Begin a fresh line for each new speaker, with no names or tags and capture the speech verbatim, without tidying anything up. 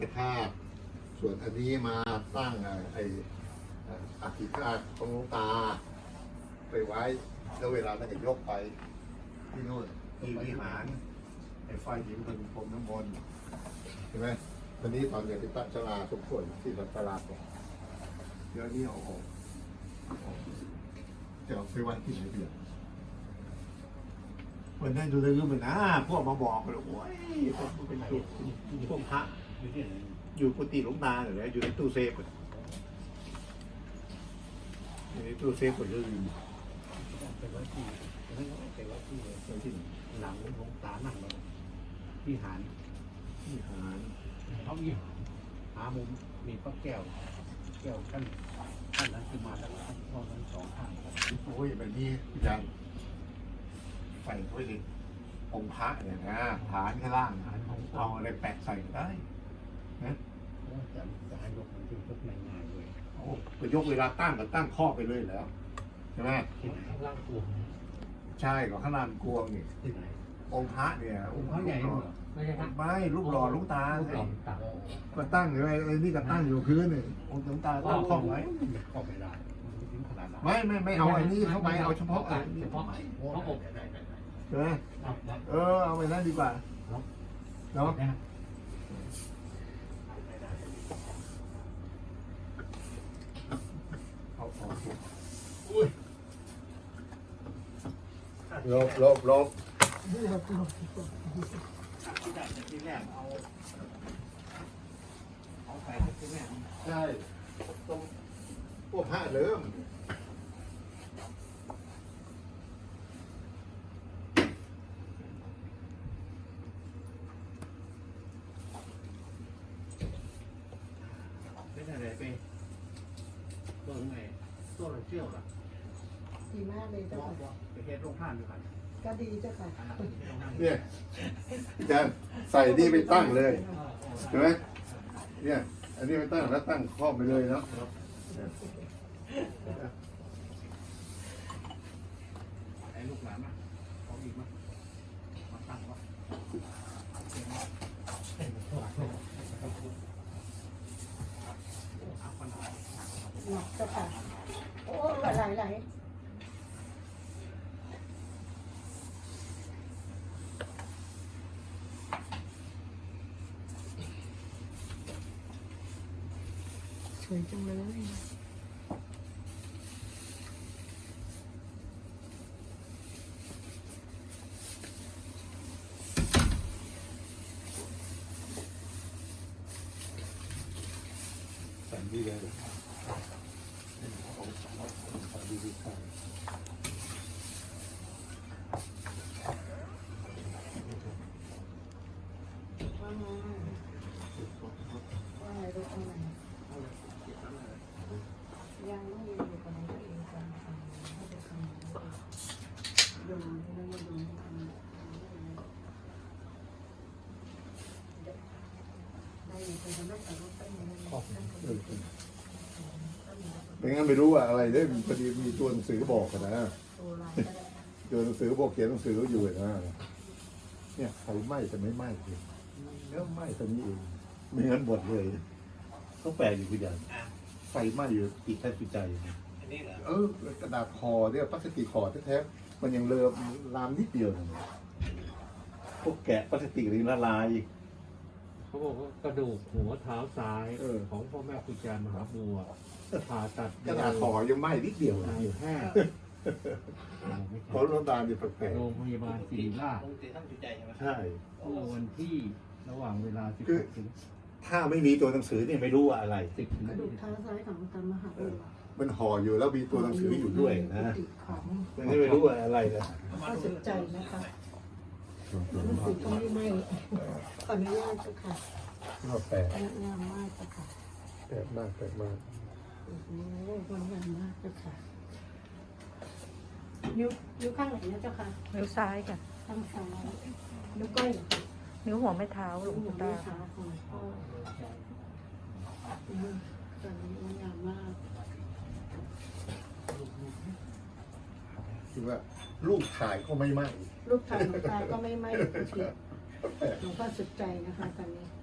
ธาตุส่วนอันนี้มาตั้งไอ้อธิธาตุของหลวงตาไปไว้แล้วเวลานั้นก็ยกไปที่นู่นที่วิหารไอ้ไฟหินเป็นพรมน้ำมนต์ใช่ไหมวันนี้ตอนเด็กที่ตั้งชลาสมควรที่ตลาดเนี่ยเดี๋ยวนี้เอาออกจะเอาไปไว้ที่ไหนเดียววันนั้นดูเลยก็เหมือนนะพวกมาบอกเลยโอ้ยพวกเป็นจุดพวกพระอยู่ที่ไหนอยู่กุฏิหลวงตาเนี่ยอยู่ในตู้เซฟอยู่ในตู้เซฟหมดเลยไปไว้ที่ไปไว้ที่ที่หลังหลวงตานั่งเลยที่หานที่หานเขามีหามุมมีพระแก้วแก้วขั้นขั้นนั้นคือมาแล้วขั้นตอนนั้นสองข้างโอ้ยแบบนี้อาจารย์ใส่เข้าไปเลยองค์พระเนี่ยนะฐานข้างล่างฐานของเอาอะไรแปะใส่ได้นะจะจะให้ยกมันถึงยกง่ายๆเลยโอ้ไปยกเวลาตั้งก็ตั้งข้อไปเลยแล้วใช่ไหมข้างล่างกวงใช่ก็ข้างล่างกวงนี่ที่ไหนองค์พระเนี่ยองค์พระใหญ่ไม่ใช่ครับไม่รูปหล่อลูกตาก็ตั้งอยู่ไอ้นี่ก็ตั้งอยู่พื้นนี่องค์หลวงตาตั้งข้อไว้ข้อไม่ได้ไม่ไม่ไม่เอาไอ้นี่เข้าไปเอาเฉพาะเฉพาะพระอบใช่ไหมเออเอาไปนั่นดีกว่าเนาะลบลบลบที่ได้ที่แรกเอาเอาใส่ที่แรกใช่ตรงพวกผ้าเริ่มไม่ได้อะไรไปตัวไหนตัวอะไรเชี่ยวล่ะ
ดีมากเลยเจ้าค่ะ
ไปเฮ็ดโรงทานด้วยกัน
ก็ดีเจ้าค่ะ
เนี่ยอาจารย์ใส่นี่ไปตั้งเลยใช่ไหมเนี่ยอันนี้ไปตั้งแล้วตั้งครอบไปเลยเนาะไอ้ลูกหลานนะเขาอีกมั้ยมาตั้งวะ
หนักเจ้าค่ะโอ้ไหลไหลไหลสวยจังเลย
สั่นดีเลยสั่นดีดีค่ะ
ว่าไงลูกว่าไงยังไม่อยู่อยู่กับน้องตัวเองกันให้ไปทำดูไม่มาดูทำได้ยินเป็นไม่แต่ว่าเป็นยังไง
ไม่งั้นไม่รู้ว่าอะไรได้พอดีมีตัวหนังสือบอกกันนะตัวหนังสือบอกเขียนหนังสืออยู่นะเนี่ยไฟไหม้แต่ไม่ไหม้เลยแล้วไหม้ตอนนี้เองไม่งั้นหมดเลยต้องแปลอยู่คุณยายไฟไหม้อยู่ติดแทบติดใจเออกระดาษคอเนี่ยพลาสติกคอแท้ๆมันยังเลอะลามนิดเดียวนะพวกแกะพลาสติกนี่ละลาย
เขาบอกว่ากระดูกหัวเท้าซ้ายของพ่อแม่ครูอาจารย์มหาบัวผ่าตัด
กระดาษคอยังไหม้นิดเดียวนะ
อยู่แค่
เพราะน้ำตาลเนี่ยแปลก
โรงพยาบาลศิริราช
ใช่
เมื่อวันที่ระหว่างเวลาสิบถึง
ถ้าไม่มีตัวหนังสือเนี่ยไม่รู้ว่าอะไร
สิบถึง
กระดูกเท้าซ้ายของตามหาบัว
มันห่ออยู่แล้วมีตัวหนังสืออยู่ด้วยนะมันไม่รู้ว่าอะไรนะ
ก็สนใจนะคะหนังสือก็ไม่ไหม้ขออนุญาตเจ้าค่ะ
แปลก
งามมากเจ้าค่ะ
แปลกมากแปลกมาก
โอ้โหมันงามมากเจ้าค่ะนิ้วนิ้วข้างไหนนะเจ้าค่ะ
นิ้วซ้ายค่ะ
ข้างซ้ายนิ้วก้อยเหรอคะ
นิ้วหัวไม่เท้าหลวงตา
ค่ะตอนนี้มันงามมาก
คือว่ารูปถ่ายก็ไม่ไหม้
รูปถ่ายหลวงตาก็ไม่ไหม้หลวงพ่อสุดใจนะคะตอนนี้